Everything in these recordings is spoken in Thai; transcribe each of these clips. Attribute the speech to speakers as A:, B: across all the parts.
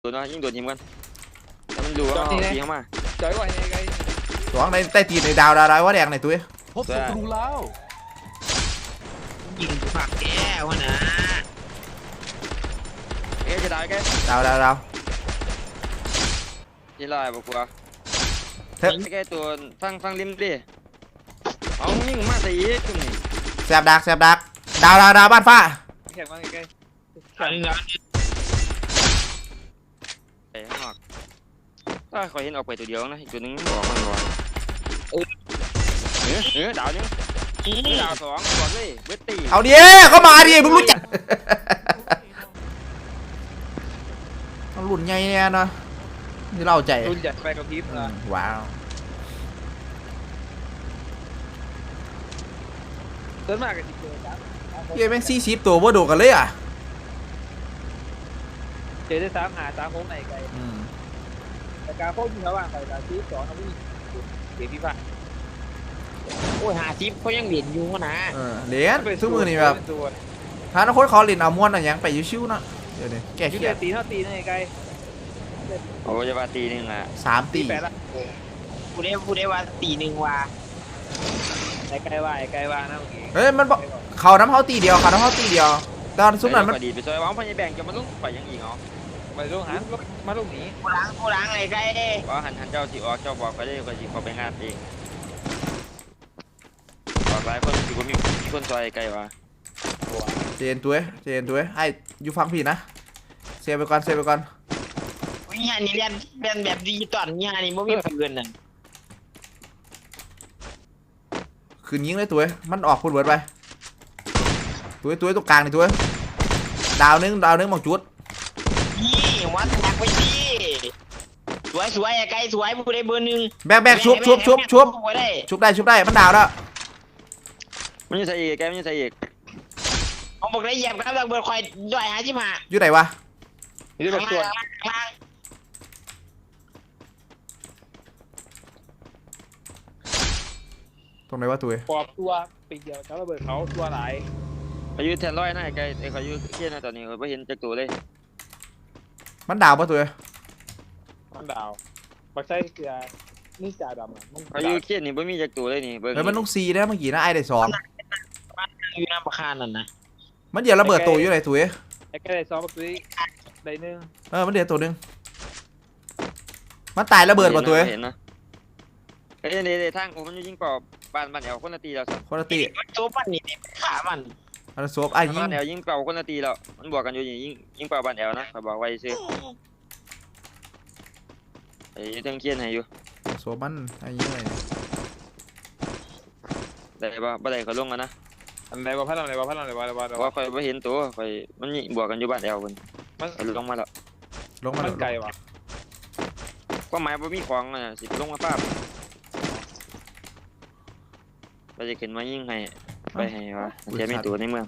A: โดนนะยิ่งโดนทีมกันแต่มันดูว่าตีเข้ามา
B: จอยว่าไงไง
C: สองในใต้ตีนในดาวว่าแดงในตัว
D: พบศัตรูแล้ว
E: ยิงผักแก้วนะ
A: จะได้แก
C: ดาว
A: ที่ลายบอกว่าแกตัวฟังริมดิเอายิ่งมาตีจุ่มนี่
C: แสบดักดาวบ้านฟ้า
B: แข่งมาไง
A: ไอ้ข้างนอกถ้าคอยเห็นออกไปตัวเดียวนะอีกตัวนึงบอกมันก่อนดาวนึงดาวสองบอกเลยเบิร์ตตี
C: เอาดิเข้ามาดิมึงรู้จักต้องหลุนไงเนี่ยนะนี่เล่าใจ
B: รุ่นใหญ่ไปกับพีฟนะ
C: ว้าว
B: ต้นมากกับจิเจอจ้ะ
C: เย้แม่ง40ตัวว่าโดดกันเลยอ่ะ
B: เจอได้3 โค้งในไกลแต่การโค้งที่เขาว่างไปการที่2เขาไม่มีเดี๋ยวพี่ฟ้า
E: โอ้ย50เขายังเหรียญอยู่นะ
C: เหรียญทุกมือนี่แบบถ้านักโค้ชเขาเหรียญเอาม้วนอะไรยังไปชิวๆนะเดี๋ยวนี้แกขี้
B: ตีเท่าตีในไกล
A: โอ้จะว่าตีนึงอ่ะ
C: 3 ตี
E: ผู้ได้ว่าตีหนึ่งว่า
B: ไกลว่านะเมื่อกี้
C: เฮ้ยมันบอกเขาน้ำเขาตีเดียวตอนซุ้มนั้นมัน
A: ดีไปซอยวางพันยแบ่งจะมาลุ้งไปยังอีกเหรอ
B: ไปลุ้งหันมาลุ้งหนี
E: ผู้ล้างอะไรไกล
A: ว่าหันเจ้าสิออกเจ้าบอกไปได้ก็สิเขาไปงานเองบอกหลายคนสิว่ามีคนซอยไกลว่ะ
C: เจนตัวไอ้อยู่ฟังผิดนะเซฟไปก่อน
E: วิญญาณนี่เรียนแบบดิจิตอลวิญญาณนี่ไม่มีเงินน่ะ
C: คืนยิงเลยตัวมันออกพูดเวิร์ดไปตัวตรงกลางนี่ตัวดาวนึงมองจุด
E: นี่วัดหนักไปดิสวยไกลสวยผู้ได้เบอร์หนึ่ง
C: แบกชุบได้มันดาวแล้ว
A: มันจะใส่อีกแกมันจะใส่อีก
E: ผมบอกได้เหยียบครับเบอร์คอยด้วย55
C: อยู่ไหนวะ
B: อยู่แบบตัว
C: ตรงไหนวะตัว
B: ปอบตัวปีเดียวแล้วระเบิดเขาตัวหลาย
A: เขาอยู่แทนร้อยนะไกลไอ้เขาอยู่เที่ยนะตอนนี้เขาไม่เห็นจักตัวเลย
C: มันดาวปะตัว
B: มันดาวปักไส้เกลือนี่จ่าดำอ่ะ
A: เขาอยู่เที่ยนี่ไม่มีจักตัวเลยนี่
C: เฮ้ยมันต้องซีได้เมื่อกี้นะไอ้ได้2
E: อยู่น้ำประคานนั่นนะ
C: มันเดี๋ยวระเบิดตัวอยู่ไหนตัว
B: ไอ้แกได้2ปักตุ้ยได้1
C: มันเดี๋ยวตัวนึงมันตายระเบิดป่ะตัว
A: เห็นนะไอ้เนี่ยทางผมมันยิงเปล่าบ้านแอลคนละตีเราสัก
C: คนละตี
E: ตัวปั้นนี่ขามัน
C: อันโซฟไอ้ยิง
A: บ้านแอลยิงเปล่าคนละตีแล้วมันบวกกันอยู่ยิงเปล่าบ้านแอลนะเขาบอกไว้ซื้อไอ้เรื่องเคียนให้อยู่
C: โซฟมันไอ้ยิงไง
A: ได้ป่ะได้เขาลงกันนะ
B: อันไหนบ้าพัดอะไรบ้า
A: ว่าคอยไม่เห็นตัวคอยมันบวกกันอยู่บ้านแอลมันลงมาแล้ว
B: มันไกลว่ะ
A: ก็หมายว่ามีของอ่ะสิลงมาป้าเราจะขึ้นมายิงให้ไปให้วะจะมีตัวในเมือง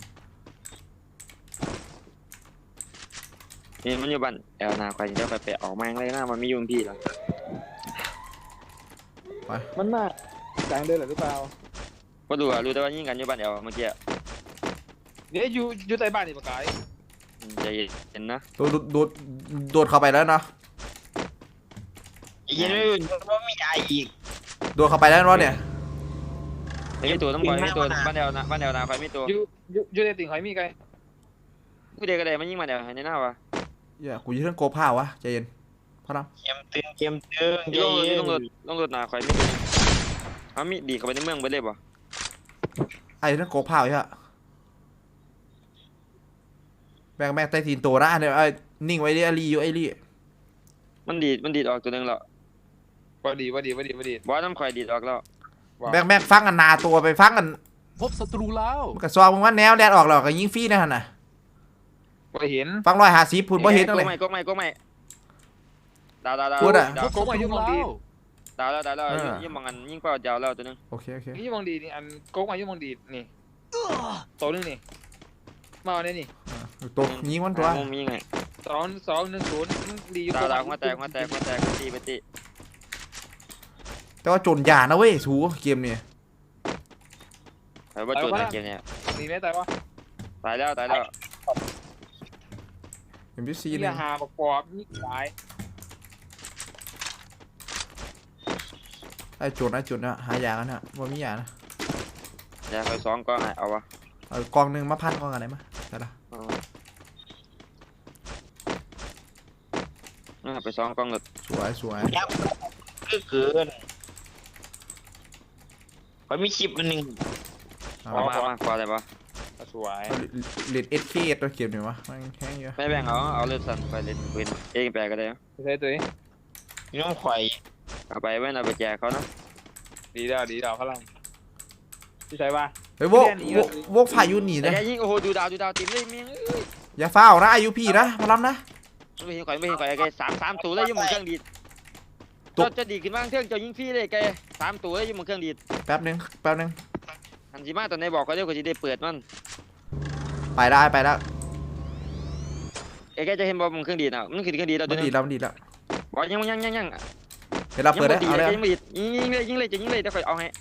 A: นี่มันอยู่บ้านแอลนาใครจะไปออกมาเลยนะมันมียุงพี่หรอ
B: มันมากกลางเดินหรือเปล่า
A: ก็ดูรู้แต่ว่ายิงกันอยู่บ้านแอลเมื่อกี้
B: เนี่ยอยู่ใต้บ้านนี่ปะกาย
A: ใจเย็นนะ
C: โดดเข้าไปแล้วเนาะ
E: ยังไม่มีอะไรอีก
C: โดดเข้าไปแล้วเนาะเนี่ย
A: มีตัวต้องคอยมีตัวบ้านแอลนาคอยมีตัว
B: อยู่ในติ่งคอยมีไง
A: ผู้เด็กกระเดมันยิงมาแอลในหน้าวะ
C: กูยืนเรื่องโกผ้าวะใจเย็นพอนะ
E: เกมตึง
A: ต้องรถหนาคอยมีตัวมีดีเข้าไปในเมืองไปเลยป่ะ
C: ไอ้เรื่องโกผ้าใช่ไหมแบกใต้ตีนตัวนะเนี่ยไอ้นิ่งไว้ดิไอ้ลี่
A: มันดีดออกตัวนึงแล้ว
B: ว่าดี
A: บอสน้ำคอยดีดออกแล้ว
C: แบกฟังกันนาตัวไปฟังกัน
D: พบศัตรูแล้ว
C: มันกระซองมึงว่าแนวแดดออกแล้วก็ยิงฟรีนะฮะน่ะ
B: บ่เห็น
C: ฟัง150พูดบ่เห็นตั้งเลย
A: ก็ไม่ดาว
C: พูดอ่ะ
B: ก็ไม่ยุ่งมองดี
A: ดาวยิ่งมองกันยิ่งเปล่ายาวแล้วตัวนึง
C: โอเค
B: ยิ่งมองดีนี่อันโก๊กมายิ่งมองดีนี่ตัวนึงนี่มาเนี่ยนี่
C: ตัวยิงมันตัว
A: มีไง
B: 2-1-0ดีอยู่
A: ดาวมาแตกไปตี
C: แต่ว่าจนยานะเว้ยสูเกมเนี่ย
A: แต่ว่าจนเกมเนี่ย
B: ดีไหมตายวะ
A: ตายแล้ว
C: MPC
B: นี่
C: หนึ่ง
B: หาประกอบนี่หลาย
C: ไอ้จุดนะหายากันนะว่ามียานะ
A: อย่าคอยซ้อมก็ให้เอาวะ
C: เอากองหนึ่งมาพันกองอะไรมาได้ละ
A: ไปซ้อมกล้องรถ
C: สวย
E: ยับคือเกินเขามีคลิปอันหนึง
C: เอา
A: มาพอได้ปะ
B: สวย
C: เลดSKตัวเก็บหน่อยวะมันแห้งเยอะ
A: ไม่แบ่งเอาเลือดสั่นไปเล่นปืนเองแปลก็ได้
B: ใช่ตัวนี้
E: น้องข่อย
A: เอาไปไว้เอาไปแจกเขานะ
B: ดีแล้วพลังที่ใช่ป่ะ
C: เฮ้ยโวกพายุหนี
A: แต่
C: นะ
A: แกยิงโอ้โหดูดาวติมเลยเมียง
C: อย่าฟ้าวนะอายุพี่นะมาล้ำนะ
A: ไม่เห็นข่อยแกสามตัวเลยยุ่งมือเครื่องดีดจะดีขึ้นบ้างเครื่องจะยิงฟรีเลยแก3 ตัวเลยยุ่งมือเครื่องดีด
C: แป๊บนึง
A: หันสิมาตอนไหนบอกเขาเดี๋ยวก็จะได้เปิดมัน
C: ไปได้
A: แกจะเห็นบอลมือเครื่องดีดอ่ะมันคือเครื่องดีดแล้ว
C: มั
A: ตัวน นึ
C: ดี
A: ง
C: แล้วมันดีแล้ว
A: บอกยัง
C: เดี๋ยวเราเปิดได้เอาเลย
A: ยิงไม่ดียิงเลยจะยิงเลยแต่ข่อยเอาให้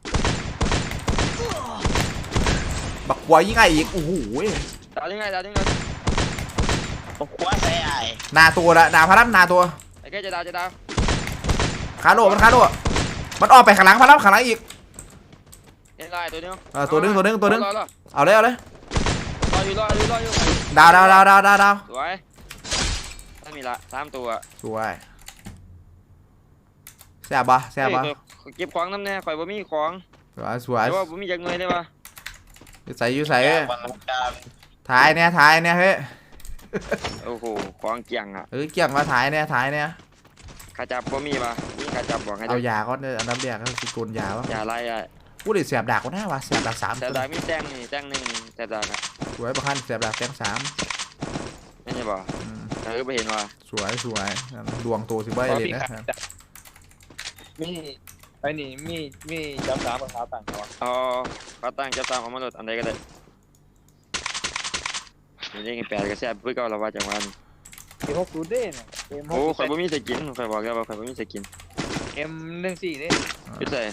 C: บักวัวยิ่งไงอีกโอ้โห
A: ดาวยังไง
E: ผมคว้าใส่ไอ้
C: นาตัวละนาพลัมนาตัว
A: ไอ้แกจะดาว
C: ขาโดมันมันออกไปข้างหลังพลัมข้างหลังอีก
A: เห็นลายตัวนึง
C: ตัวนึงเอาเลย
A: รออยู่
C: ดาว
A: สวยถ้ามีละ3 ตัว
C: สวยแซ่บปะ
A: เก็บของน้ำแน่ข่อยบ่มีของ
C: สวย
A: แต่ว่าบ่มีจักหน่วยได้ป่ะ
C: ใส่อยู่ใส่
E: แก้วน้ำตาล
C: ถ่ายเนี่ยเฮ้ย
A: โอ้โหของเกี่ยงอ่ะ
C: เกี่ยงมาถ่ายเนี่ย
A: ขาจับบ่มีป่ะมีขาจับบอกให้
C: เอายาก็เนี่ยอันดับแรกก็คือโกนยาวะ
A: อย่าไล่อ่ะ
C: พูดดิเสียบดักก็น่าวะเสียบดัก3
A: แต่
C: ตัว
A: ดามีแต้งนี่แต้ง1แต่ดาอ่ะ
C: สวยประคันเสียบดักแกง3
A: นี่บ่ไปเห็นว่า
C: สวยดวงโตสิบ่ได้เลยนะ
B: มีไอ้นี่มีจับสามกับขาต่างกัน
A: เอาขาตั้งจะตามเอามาลดอันใดก็ได้นี่นี่8ก็แซ่บเพิ่นก็ละว่าจังหวะ
B: M60เด้เนี่ย
A: โอ้ข่อยบ่มีสกินข่อยบอกแล้วว่าข่อยบ่มีสกิน
B: M14เด้
A: พี่ใส่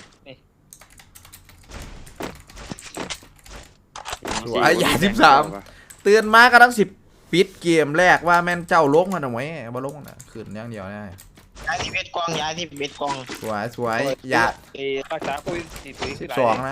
C: เตือนมาก็ต้อง10ปิดเกมแรกว่าแม่นเจ้าลงกันเอาไว้บ่ลงนะขึ้นอย่างเดียวได้
E: ยาที่เบ็ดกอง
C: สวยอย่า
B: รักษาโควิด
C: 12นะ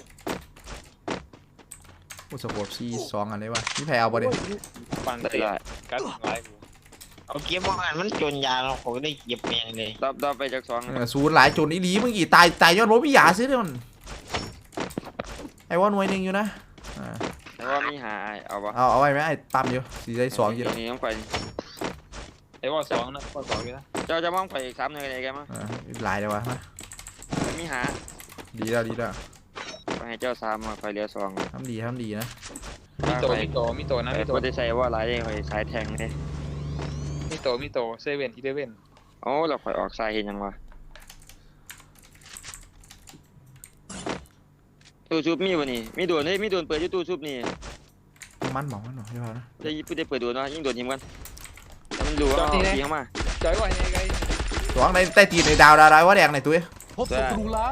C: อุสโคปซี2อันนี้วะนี่แพ้เอาบ่ดิ
B: ฟัง
A: ได้
B: เสียกันหลาย
E: เอาเก็บว่างานมันจนยาเราผมได้เก็บเองเลย
A: ดอบไปจาก2
C: ศูนย์หลายจนอีหลีมึงกี่ตายยอดรถพี่หยาซื้อเด้อมันไอ้ว่าหน่วยนึงอยู่นะ
A: แต่ว่ามีหาเอาบ่
C: เอาไว้ไหมไอ้ปั๊มอยู่สีได้2อยู่
A: นี่ต้องไป
B: ไอ้ว่า2นะว่า2อยู่นะ
A: เจ้าจะมองไปอีก3นึงได้แกมั้ง
C: หลายเลยวะ
A: มีหา
C: ดีแล้ว
A: ไปให้เจ้า3มาไปเหลือ2
C: ทำดีนะ
B: มีโตนะมีโต
A: บ่ได้ใส่ว่าหลายข่อยสายแทงนี่
B: มีโตเซเว่นอีเลเว่น
A: โอ้เราข่อยออกสายเห็นยังวะตู้ชุบมีบ่นี่มีโดนเฮ้ยมีโดนเปิดอยู่ตู้ชุบนี่
C: มันหมองใช่ป่ะนะ
A: ได้เปิดโดนวะยิงโดนทีมกันแต่มันรู้ว่าเอาทีเข้ามา
B: จอยว่าไงไง
C: 2ในใต้ตีนในดาวว่าแดงในตัว
D: พบศัตรูแล้ว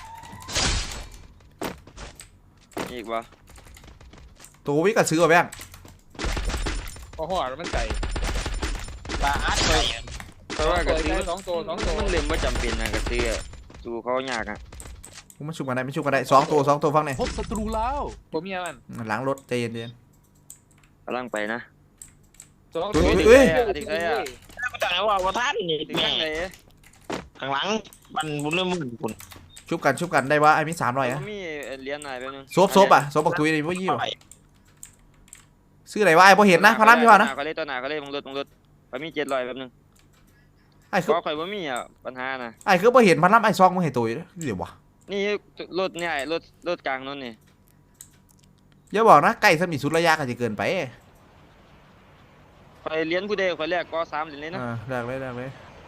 A: อีกวะ
C: ตัววิก็ซื้อเอาแบง
B: พอหัวมันไก่
E: ปลาอัดไป
A: เพราะว่ากระซื้อ
B: 2ตัว
A: มันเล่มว่าจำเป็นนะกระซื้อสู้เขายากอ่ะ
C: มันชุบกันได้2ตัวฟังเนี่ย
D: พบศัตรูแล้ว
B: ผมมีอะไร
C: หลังรถใจเย็น
A: กำลังไปนะ
B: 2ตัว
E: กูต่างว่าท่านนี่
A: ถึง
E: แม่
A: ข้างไหน
E: ข้างหลังมันบุญเรื่องมึงคุณ
C: ชุบกันได้ว่าไอ้มี300อ่ะ
A: มีเหรียญไหนแป๊บนึง
C: ซบบักตุยนี่บ่ยี่วซื้ออะไรวะไอ้บ่เห็นนะพลัมพี่ว่านะ
A: เขาเล่ตัวหนาเขาเล่มึงรถเขามี700แป๊บนึง
C: ไอ้
A: เพ
C: คือ
A: ราะข่อยบ่มีอ่ะปัญหานะ
C: ไอ้คือบ่เห็นพลัมไอ้ซองมึงเห็นตุยเดี๋ยววะ
A: นี่รถเนี่ยรถกลางนั่นนี่
C: อย่าบอกนะใกล้สมีสุดระยะก็จะเกินไป
A: ข่อยเหรียญผู้ใดข่อยแรกก็3เหรียญเลยนะ
C: แรกเลย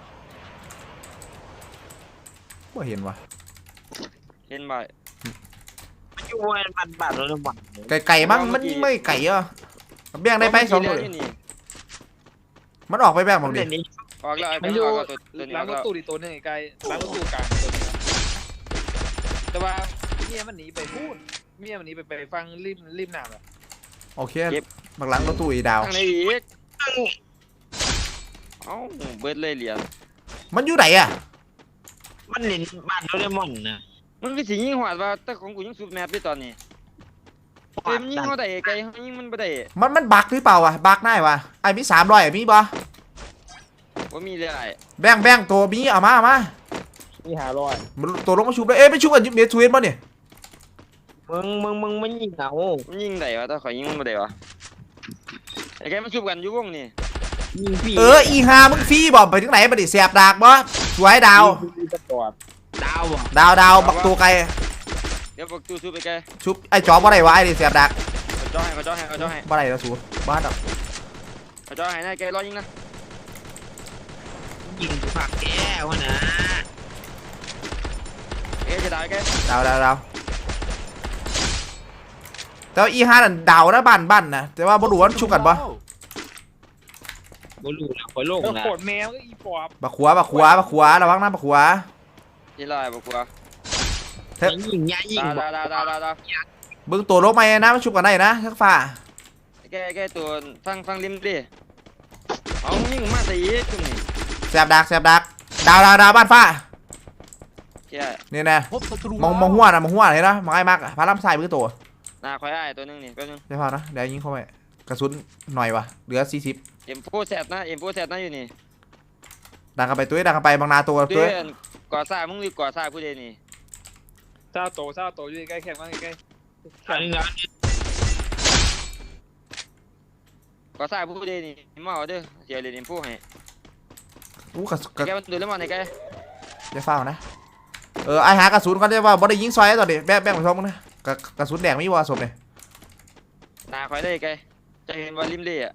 C: บ่เห็นวะ
A: เห็นบ่
E: มันอยู่วันบาทหรือวัน
C: ไก่มั้งมันยิ่งไม่ไก่อ่ะแบ่งได้ไป2ตัวมันออกไปแบ่งบ้างดิ
E: นี้
A: ออกแล้วไอ้
B: มัน
A: เป็น
B: อยู่
A: ออกแล้วตัวนี้
B: ล้า
A: อง อก
B: รถ
A: แล้ว
B: ตู้อีกตัวนึงไก่ล้างรถตู้กลางตัวนึงแต่ว่าเมียมันหนีไปพูดเมียมันหนีไปฟังริมน้ำอ่ะ
C: โอเคบักหลังรถตู้อีดาว
A: ข้างในอีกเอ้าเบิดเลยเหรียญ
C: มันอยู่ไหนอะ
E: มันเล่นบ้านโดเรมอนนะ
A: มันคือสิยิงหวาดว่าแต่ของกูยังสูบแมปอยู่ตอนนี้เต็มยิงเขาได้ไกลเขายิงมันบ่ได้
C: มันบักหรือเปล่าวะบักได้วะไอ้มี300มีบ่
A: ว่ามีเลยไอ้
C: แบ่งตัวมีเอามา
B: มี500
C: มันตัวลงมาชุบเลยไม่ชุบกันเบียร์ทวินป่ะเนี่ย
E: มึงมันยิงเอา
A: มันยิงได้วะแต่ขอยยิงมันบ่ได้วะไอ้แกมันสูบกันอยู่วงนี่
E: ยิงพี่
C: อีฮามึงฟรีบ่ไปถึงไหนบ่ดิแสบดากบ่สวยดาว
B: สปอร์ต
E: ดาวบ่
C: ดาวบักตัวไกล
A: เดี๋ยวบอกตู้สูบไปแก
C: ชุบไอ้จอบ่ได้วะไอ้ดิแสบดาก
A: เขาจ่อให้
C: บ่ได้แล้วสูบ้าดอก
A: เขาจ่อให้นายแกรอยิงนะ
E: ยิงกูผักแก้วนะ
A: แกจะได้แก
C: ดาวแต่ว่าอีฮานั่นดาวนะบ้านนะแต่ว่าบ่รู้ว่าชุบกันบ่
E: บ่รู้นะคอยโลก
B: แล้ว
E: นะ
B: โคตรแมวก็อีปอบ
C: บักขวาระวังนะบักขวา
A: ที่ลอยบอกกูว่า
E: ยิงยายิงบ่
A: ดาว
C: เบิ่งตัวลงมานะมันชุบกันได้นะทักฟ้า
A: แกตัวฟังริมดิเอายิงมาตีจุ่มนี่
C: แสบดักดาวบ้านฟ้า
A: แก
C: นี่แน่
D: พบศัตรู
C: มองหัวเห็นนะมองไอ้มักพาล่ำใส่เบิ่งตัว
A: หน้าคอยอ้ายตัวนึงนี่แป๊บนึง
C: ได้พอนะเดี๋ยวยิงเข้าไปกระสุนหน่อยวะเหลือ40
A: เอ็มโฟแซดนะอยู่นี่
C: ดังกันไปตัวดังกันไปบางนาตัว
A: เดือนก่อสร้างมึงรีบก่อสร้างผู้ใดนี่
B: เจ้าโตอยู่ใกล้แคบมากใกล้
E: อันนี้นะ
A: ก่อสร้างผู้ใดนี่มาเอาเด้อเสียเลยเอ็มโฟให้
C: อู้กระสุน
A: แกมันดูแล้วมันไอ้แก
C: จะเฝ้านะไอหากระสุนก่อนได้ว่าบ่ได้ยิงซอยตอนนี้แบ่งไปซ้อมมึงนะกระสุนแดงไม่วอศพเลย
A: หน้าคอยได้แกจะเห็นว่าริมเล่อะ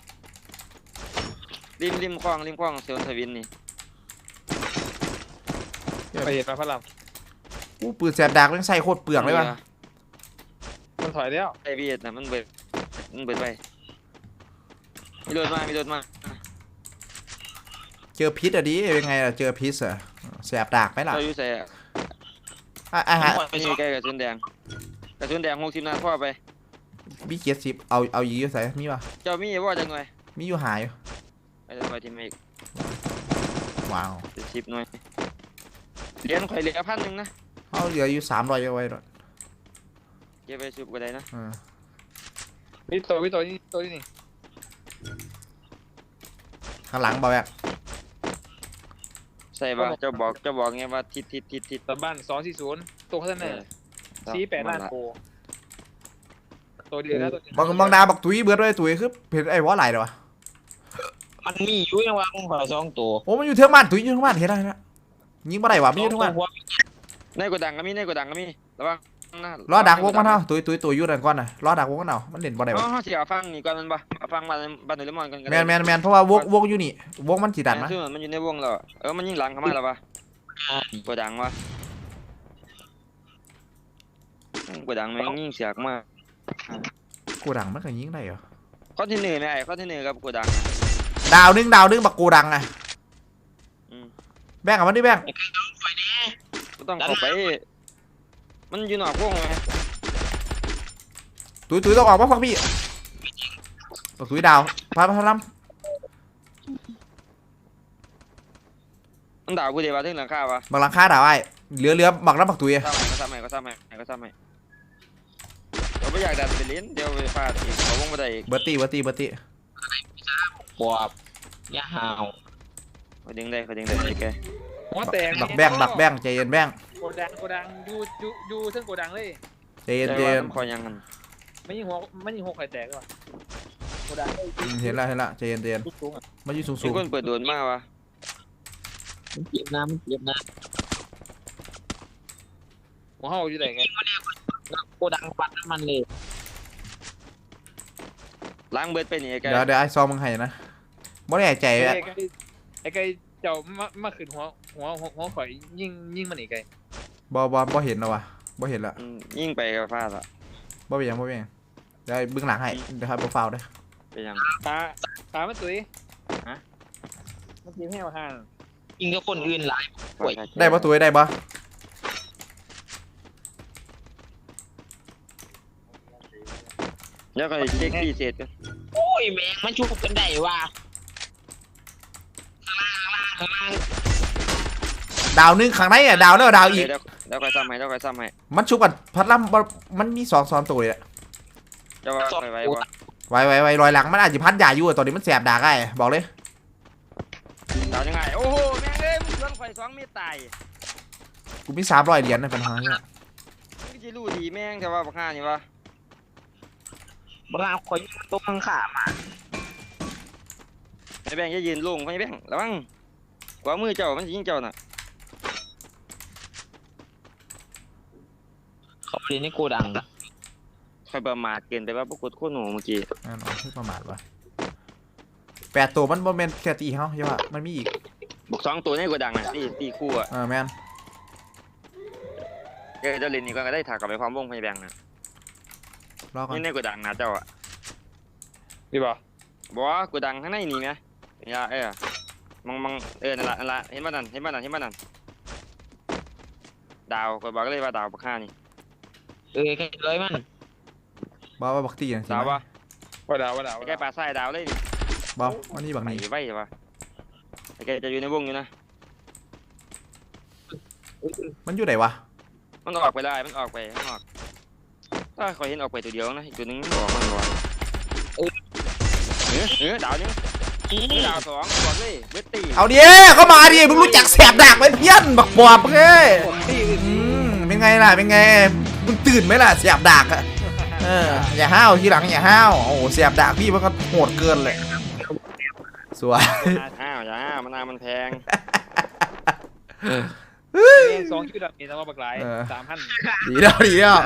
A: ริมคลองเซลทวินนี่
B: ไปเห็นมาพระราม
C: อู้ปืนแสบดากยังใส่โคตรเปลืองเลยว่ะ
B: มันถอยแล้ว
A: ไอ้เบียดนะมันเบิดไปมีโดนมา
C: เจอพิษอะดิเป็นไงล่ะเจอพิษอะแสบดากไหมล่ะ
A: เราอยู่ใส่
C: ไอหา
A: นี่แกกระสุนแดง60 นัดพ่อไป
C: มี70เอายีอยู่ใส่มีป่ะ
A: เจ้ามีว่าจังหน่อย
C: มีอยู่หายอยู่
A: ไปจะไปทีมอีก
C: ว้าว
A: 10 หน่วยเหรียญข่อยเหลือ1,000นะ
C: เอาเหลืออยู่300เอาไว้ด้วย
A: เก็บไปสูบก็ได้นะ
B: พี่โตนี่
C: ข้างหลังเบาแบก
A: ใส่บ่เจ้าบอกไงว่าทิศ
B: ตะบ้าน240ตัวข้างหน้า48ล้านโกตัวเดียวนะตัวเดียว
C: บางดาบักตุ้ยเบิดไว้ตุ้ยคือเห็นไอ้วอไหลเดี๋ยววะ
E: มันมีอยู่ยังว่ามึงขอ2ตัว
C: โอ้มันอยู่เทือกบ้านตุ้ยอยู่เทือกบ้านเห็นได้นะยิงบ่ได้วะมีอยู่เทือกบ้าน
A: ในกระดังก็มีระวังนะ
C: รอดักวงมันเท่าตุ้ยอยู่นั่นก่อนน่ะรอดักวงกันเอามันเล่นบ่ได้วะ
A: เฮาสิเอาฟังนี่ก่อนมันบ่เอาฟังบ้านโดเรมอนกัน
C: แมนเพราะว่าวงอยู่นี่วงมันสีดันนะ
A: ซึ่งมันอยู่ในวงแล้วมันยิงหลังเข้ามาแล้ววะกระดังวะกระดังแม่งยิงเสียกมาก
C: กูดังมันก็ยิงได้เหรอ
A: คอนเทนเนอร์ไหมคอนเทนเนอร์กับกระดัง
C: ดาวนึงบักกูดังอ่ะแบ่งกับมันดิแบ่ง
A: ก็ต้องเข้าไปมันอยู่นอกวงไหม
C: ตุ้ยต้องออกมาฟังพี่ตุ้ยดาวพาล้ำ
A: มันด่ากูเดี๋ยวถึงหลังคาวะ
C: บักหลังคาดาวไอ้เหลือบักน้ำบักตุ้ย
A: ก็ทำใหม่เราไม่อยากดันไปลิ้นเดี๋ยวไปฟาดอีกเขาวงไม่ได้อีก
C: เบอร์ตี้
E: ปอบยาหาว
A: เขาดึงได้แก
B: หัวแตก
C: บักแบ่งใจเย็นแบ่ง
B: โกดังอยู่ซึ่งโกดังเลย
C: ใจเย็น
A: คอยยังกัน
B: ไม่ยิงหัวไข่แตกก่อนโกดัง
C: เห็นละใจเย็น
B: สูงอ่ะ
C: มันอยู่สู
A: มี
C: ง
A: คนเปิดโดนมากวะ
E: มันเจ็บนะ
B: หัวเห่าอยู่ไหนไง
E: โกดังปัดน้ำมันเลย
A: ล้างเบิดไปนี่แก
C: เดี๋ยวไอ้ซอมมึงให้นะบ่ได้ใจ
B: ไอ้ไก่เจ้ามาขึ้นหัวข่อยยิงมันอีกไก่
C: บ่เห็นแล้ววะบ่เห็นละ
A: ยิ่งไปกับฟาดละ
C: บ่เป็นยังเดี๋ยวเบื้องหลังให้เดี๋ยวให้โปรไฟล์ได้
A: เป็นยัง
B: ตามันตุ้ยมันกินแห้งมาห่าง
E: ยิงกับคนอื่นหลายป่วย
C: ได้ปะตุ้ยได้ปะ
A: แล้วก็เช็คที่เศษกัน
B: โอ้
E: ยแม่งมันชุบกันได้ว่ะข้างล่าง
C: ดาวนึงข้างในอ่ะดาวแล้วดาวอีก
A: เดี๋ยวคอยซ้ำให้
C: มันชุบกันพัดลำบ่มันมี2ตัวเลยอะ
A: เจ้าว่าไปบ่
C: ไว้รอยหลังมันอาจจะพัดยาอยู่อะตอนนี้มันแสบดากไอ้บอกเลย
A: ดาวยังไงโอ้โหแม่งเอ้ยมึงชวนข่อย2เมตรตาย
C: กูมี300 เหรียญนะปัญหาเนี่ย
A: มึงจะรู้ดีแม่งแต่ว่าบักห่านี่วะ
E: บางคอยตัวข้างขามา
A: ไอ้แบงค์จะยืนลงไอ้แบงค์ระวังขวามือเจ้ามันสิยิงเจ้าน่ะ
E: เขาเรียนในโกดัง
A: ข่อยประมาทเกินไปว่าพวกกูโคตรหนูเมื่อกี้
C: แน่นอนที่ประมาทวะ8 ตัวมันบ่แม่นแค่ตีเฮาใช่ป่ะมันมีอีก
A: บุก2ตัวในกระดังน่ะตีคู่อ่ะ
C: แม่น
A: เจ้าเล่นนี่ก็ได้ถากกลับไปความวงไอ้แบงค์น่ะ
C: รอก่อน
A: นี่ในกระดังนะเจ้าอ่ะ
B: พี่บอก
A: บอกว่ากระดังข้างในนี่ไงอย่ามังนั่นละเห็นบ้านนั่นดาวก็บอกเลยว่าดาวบักห่านี่
E: แค่เลยมัน
C: บ่ว่าบักตีจังซี่
A: ดาวปะ
B: ว่าดาว
A: แกปลาทรายดาวเลยนี่
C: บ่วันนี้บัก
A: ไป
C: นี้
A: ไว้ใช่ปะแกจะอยู่ในวงอยู่นะ
C: มันอยู่ไหนวะ
A: มันออกไปได้มันออกไปข้างนอกถ้าคอยเห็นออกไปตัวเดียวนะอีกตัวนึงมันบอกมันบอกดาวนึงดาว2บอกเลยเวทตี
C: เอาดิเข้ามาดิมึงรู้จักแสบดากไหมเพี้ยนบักบอบเอ้ยเป็นไงล่ะเป็นไงมึงตื่นไหมล่ะแสบดากอะอย่าห้าวทีหลังอย่าห้าวโอ้โหแสบดากพี่มันก็โหดเกินเลยสวย
A: อ้าวอย่ามันนามันแพง
B: เอง2 คิวดับนี่ทำมาบักหลาย3,000
C: ดีแล้ว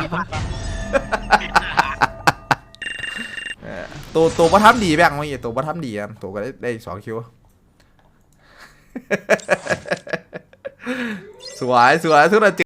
C: ตัวประทับดีแบงค์เมื่อกี้ตัวประทับดีอ่ะตัวก็ได้2 คิวสวยทุกคน